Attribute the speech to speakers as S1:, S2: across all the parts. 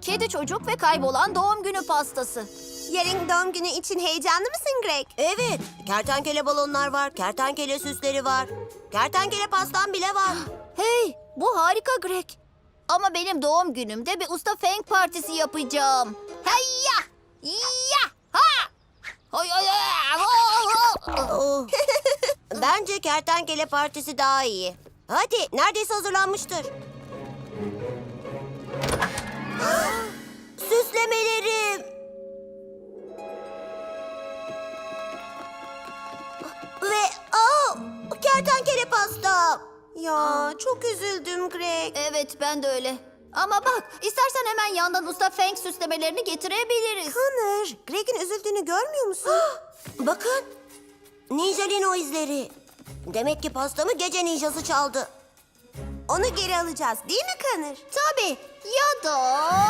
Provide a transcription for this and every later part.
S1: Kedi çocuk ve kaybolan doğum günü pastası.
S2: Yarın doğum günü için heyecanlı mısın Greg?
S3: Evet, kertenkele balonlar var, kertenkele süsleri var. Kertenkele pastam bile var.
S1: Hey, bu harika Greg. Ama benim doğum günümde bir usta Feng partisi yapacağım. Hayya! Ya! Ha! Hay hay hay!
S3: Oh. Bence kertenkele partisi daha iyi. Hadi, neredeyse hazırlanmıştır. Süslemelerim. Ve kertenkele pastam.
S2: Ya çok üzüldüm Greg.
S1: Evet, ben de öyle. Ama bak, istersen hemen yandan usta Feng süslemelerini getirebiliriz.
S2: Connor, Greg'in üzüldüğünü görmüyor musun?
S3: Bakın, Ninjalino izleri. Demek ki pastamı gece ninjası çaldı.
S2: Onu geri alacağız değil mi Connor?
S1: Tabii. Ya da...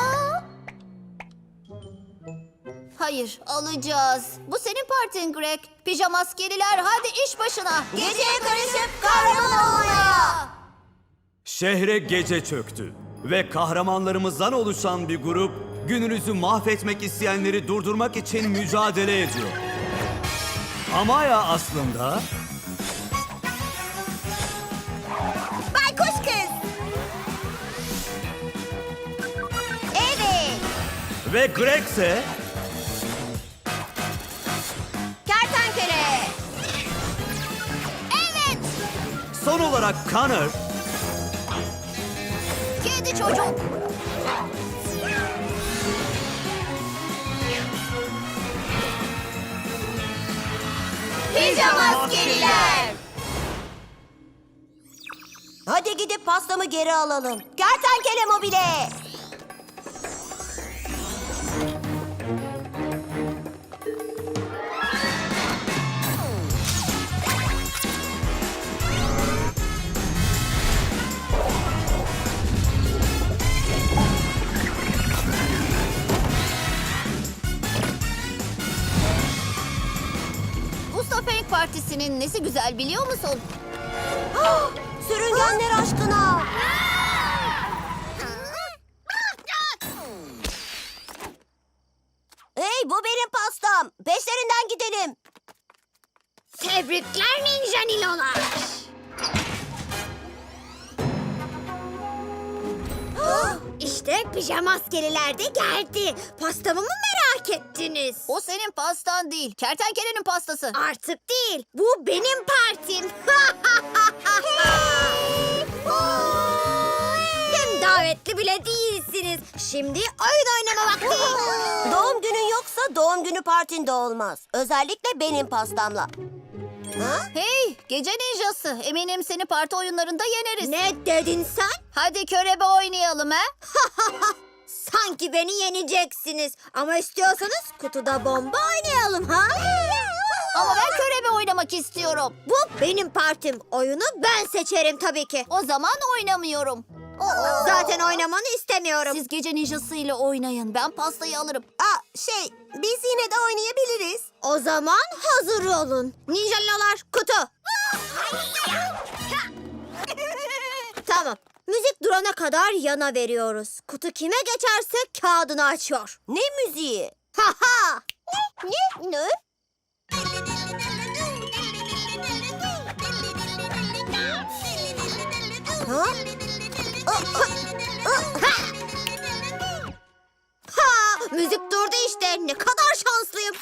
S1: Hayır, alacağız. Bu senin partin Greg. Pijama askeriler, hadi iş başına.
S3: Geceye karışıp kahraman olmaya.
S4: Şehre gece çöktü ve kahramanlarımızdan oluşan bir grup gününüzü mahvetmek isteyenleri durdurmak için mücadele ediyor. Amaya aslında
S2: Baykuş kız. Evet.
S4: ve Greg ise
S2: Kertenkele.
S1: Evet,
S4: son olarak Connor
S1: kedi çocuk.
S2: Pijama askeriler.
S3: Hadi gidip pastamı geri alalım. Kertenkele mobile.
S1: Usta Feng partisinin nesi güzel biliyor musun?
S3: Sürüngenler aşkına. Hey, bu benim pastam. Peşlerinden gidelim.
S2: Tebrikler Ninja Nilolar. İşte pijama askeriler de geldi. Pastamı mı merak ettiniz?
S1: O senin pastan değil, kertenkelenin pastası.
S2: Artık değil. Bu benim partim. Hem davetli bile değilsiniz. Şimdi oyun oynama vakti.
S3: Doğum günün yoksa doğum günü partin de olmaz. Özellikle benim pastamla. Ha?
S1: Hey, gece ninjası. Eminim seni parti oyunlarında yeneriz.
S2: Ne dedin sen?
S1: Hadi körebe oynayalım ha?
S2: Sanki beni yeneceksiniz. Ama istiyorsanız kutuda bomba oynayalım ha?
S1: Ama ben körebe oynamak istiyorum.
S2: Bu benim partim. Oyunu ben seçerim tabii ki.
S1: O zaman oynamıyorum.
S2: Zaten oynamanı istemiyorum.
S1: Siz gece ninjası ile oynayın. Ben pastayı alırım.
S2: Biz yine de oynayabiliriz. O zaman hazır olun. Ninjalalar kutu. Tamam. Müzik durana kadar yana veriyoruz. Kutu kime geçerse kağıdını açıyor.
S3: Ne müziği?
S2: Ha ha.
S3: Ne? Ha?
S2: Ha, müzik durdu işte. Ne kadar şanslıyım.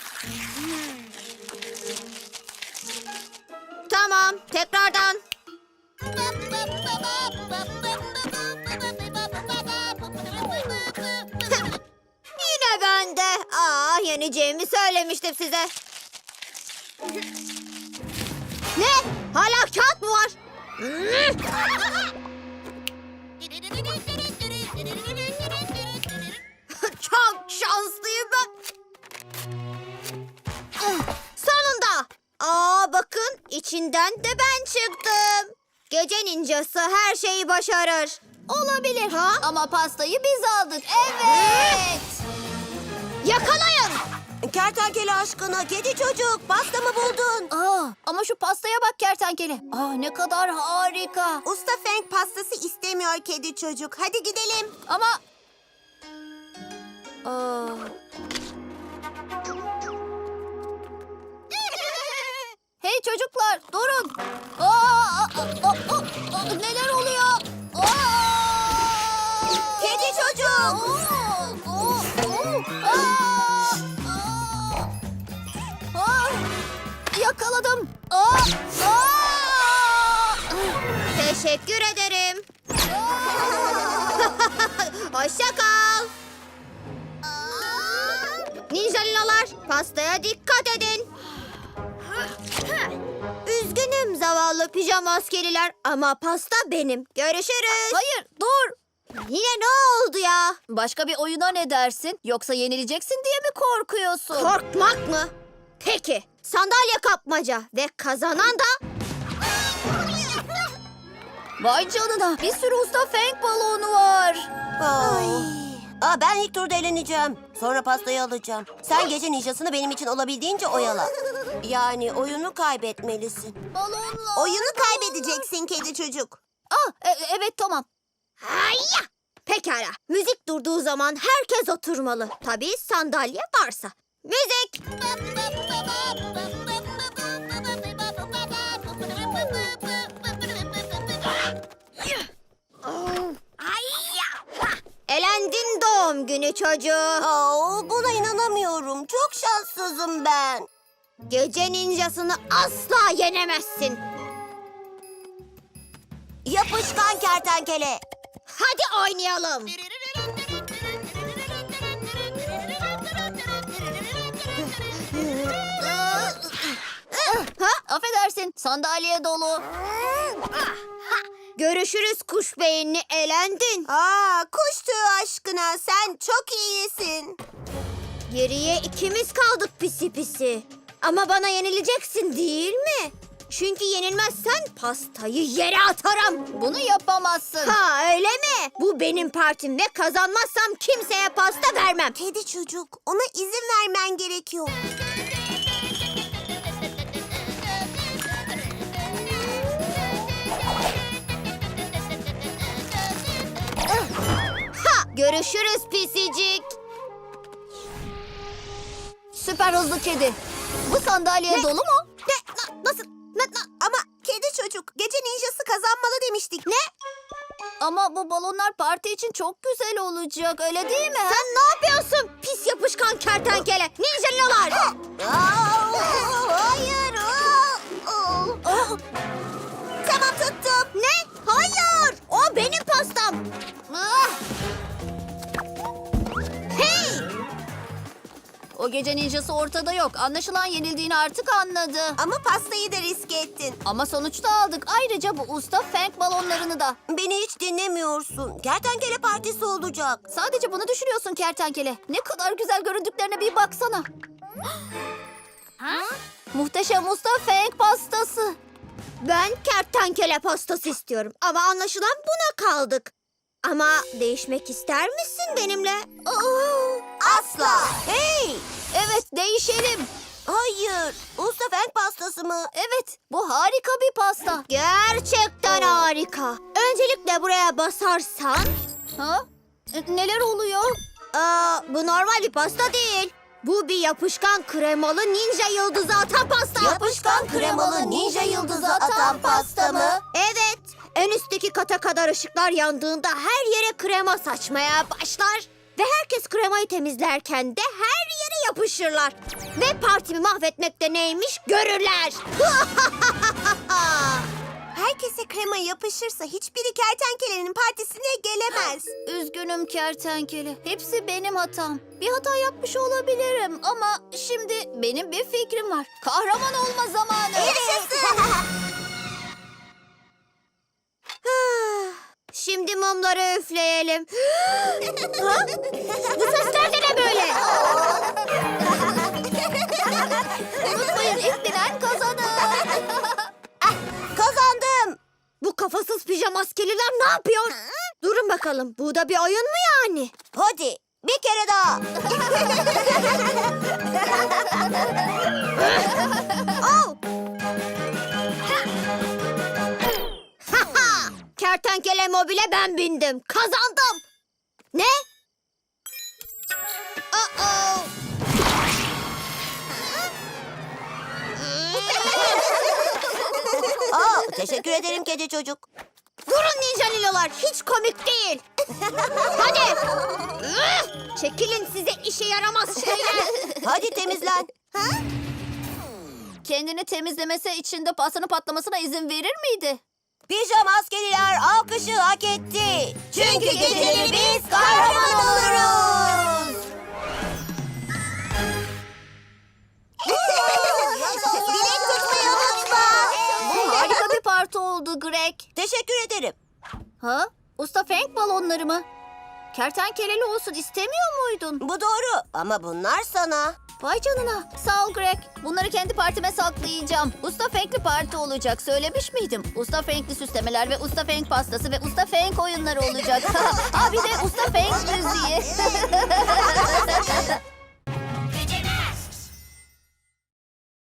S2: Tamam, tekrardan. Yine bende. Yeneceğimi söylemiştim size. Ne? Hala kağıt mı var? Çok şanslıyım ben. Sonunda. Bakın içinden de ben çıktım. Gece ninjası her şeyi başarır.
S1: Olabilir.
S2: Ha?
S1: Ama pastayı biz aldık. Evet.
S2: Yakalayın.
S3: Kertenkele aşkına, kedi çocuk, pastamı buldun.
S1: Ama şu pastaya bak kertenkele. Ne kadar harika.
S2: Usta Feng pastası istemiyor kedi çocuk. Hadi gidelim.
S1: Ama Hey çocuklar durun. Neler oluyor?
S3: Kedi çocuk.
S1: Yakaladım.
S2: Teşekkür ederim. Hoşça kal. Ninjalilalar, pastaya dikkat edin. Üzgünüm zavallı pijama askeriler ama pasta benim. Görüşürüz.
S1: Hayır dur.
S2: Yine ne oldu ya?
S1: Başka bir oyuna ne dersin? Yoksa yenileceksin diye mi korkuyorsun?
S2: Korkmak mı? Peki, sandalye kapmaca ve kazanan da...
S1: Vay canına bir sürü usta feng balonu var.
S3: Ben ilk turda eğleneceğim. Sonra pastayı alacağım. Sen gece ninjasını benim için olabildiğince oyala. Yani oyunu kaybetmelisin.
S1: Balonlar.
S3: Oyunu kaybedeceksin kedi çocuk.
S1: Evet tamam.
S2: Hayya! Pekala, müzik durduğu zaman herkes oturmalı. Tabii sandalye varsa. Müzik! Elendin doğum günü çocuğu.
S3: Buna inanamıyorum. Çok şanssızım ben.
S2: Gece ninjasını asla yenemezsin.
S3: Yapışkan kertenkele.
S2: Hadi oynayalım.
S1: Affedersin sandalye dolu.
S2: Görüşürüz kuş beyinli, elendin.
S3: Kuş tüyü aşkına sen çok iyisin.
S2: Geriye ikimiz kaldık pisi pisi. Ama bana yenileceksin değil mi? Çünkü yenilmezsen pastayı yere atarım.
S1: Bunu yapamazsın.
S2: Ha öyle mi? Bu benim partim ve kazanmazsam kimseye pasta vermem.
S3: Kedi çocuk, ona izin vermen gerekiyor.
S2: Görüşürüz pisicik.
S1: Süper hızlı kedi. Bu sandalye dolu mu?
S2: Nasıl?
S3: Ama kedi çocuk, gece ninjası kazanmalı demiştik. Ne?
S1: Ama bu balonlar parti için çok güzel olacak öyle değil mi?
S2: Sen ne yapıyorsun pis yapışkan kertenkele? Ninjalalar.
S3: Hayır. Tamam tuttum.
S2: Ne? Hayır. O benim pastam. Hey!
S1: O gece ninjası ortada yok. Anlaşılan yenildiğini artık anladı.
S3: Ama pastayı da riske ettin.
S1: Ama sonuçta aldık. Ayrıca bu usta feng balonlarını da.
S3: Beni hiç dinlemiyorsun. Kertenkele partisi olacak.
S1: Sadece bunu düşünüyorsun kertenkele. Ne kadar güzel göründüklerine bir baksana. Muhteşem usta feng pastası.
S2: Ben kertenkele pastası istiyorum ama anlaşılan buna kaldık. Ama değişmek ister misin benimle?
S3: Asla. Hey!
S1: Evet değişelim.
S3: Hayır. Usta Fenk pastası mı?
S1: Evet bu harika bir pasta.
S2: Gerçekten harika. Öncelikle buraya basarsan...
S1: Ha? Neler oluyor?
S2: Bu normal bir pasta değil. Bu bir yapışkan kremalı ninja yıldızı atan pasta.
S3: Yapışkan kremalı ninja yıldızı atan pasta mı?
S2: Evet. En üstteki kata kadar ışıklar yandığında her yere krema saçmaya başlar. Ve herkes kremayı temizlerken de her yere yapışırlar. Ve partimi mahvetmekte neymiş görürler.
S3: Herkese krema yapışırsa hiçbiri kertenkelenin partisine gelemez.
S1: Üzgünüm kertenkele. Hepsi benim hatam. Bir hata yapmış olabilirim ama şimdi benim bir fikrim var. Kahraman olma zamanı.
S2: Şimdi mumları üfleyelim. Ha? Bu sesler de ne böyle?
S1: Unutmayın ilk bilen kazanır.
S3: Kazandım.
S2: Bu kafasız pijama askeriler ne yapıyor? Durun bakalım. Bu da bir oyun mu yani?
S3: Hadi bir kere daha.
S2: Oh! Kertenkele mobile ben bindim. Kazandım. Ne? Uh-oh.
S3: Teşekkür ederim kedi çocuk.
S2: Durun ninja lilolar, hiç komik değil. Hadi. Çekilin size işe yaramaz şeyler.
S3: Hadi temizlen.
S1: Kendini temizlemesi için de pastanın patlamasına izin verir miydi?
S3: Pijama askeriler alkışı hak etti. Çünkü geceleri biz kahraman oluruz. Dilek tutmayı unutma.
S1: Bu harika bir parti oldu Greg.
S3: Teşekkür ederim.
S1: Ha? Usta Frank balonları mı? Kertenkeleli olsun istemiyor muydun?
S3: Bu doğru ama bunlar sana.
S1: Vay canına. Sağ ol Greg. Bunları kendi partime saklayacağım. Usta Frank'li parti olacak. Söylemiş miydim? Usta Frank'li süslemeler ve Usta Frank pastası ve Usta Frank oyunları olacak. Ha bir de